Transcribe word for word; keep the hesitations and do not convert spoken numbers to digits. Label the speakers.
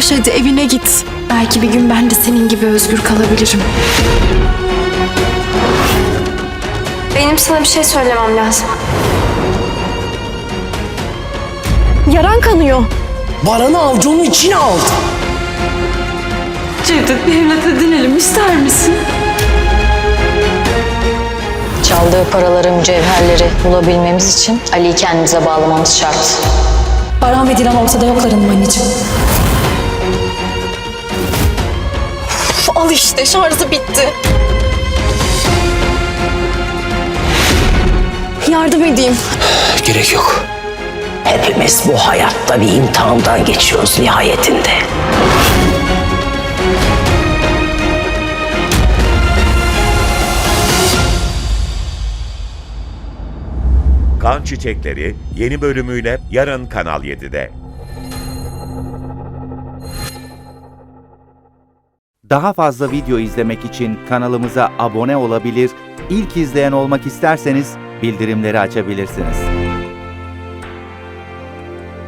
Speaker 1: Koş hadi evine git. Belki bir gün ben de senin gibi özgür kalabilirim.
Speaker 2: Benim sana bir şey söylemem lazım.
Speaker 1: Yaran kanıyor.
Speaker 3: Baran'ı avcunun içine aldı.
Speaker 1: Cevdet, bir evlat edinelim ister misin?
Speaker 4: Çaldığı paraları, mücevherleri bulabilmemiz için Ali'yi kendimize bağlamamız şart.
Speaker 1: Baran ve Dilan ortada yoklarım anneciğim. Uf, al işte, şarjı bitti. Yardım edeyim.
Speaker 3: Gerek yok. Hepimiz bu hayatta bir imtihandan geçiyoruz nihayetinde.
Speaker 5: Kan Çiçekleri yeni bölümüyle yarın Kanal yedide.
Speaker 6: Daha fazla video izlemek için kanalımıza abone olabilir, ilk izleyen olmak isterseniz bildirimleri açabilirsiniz.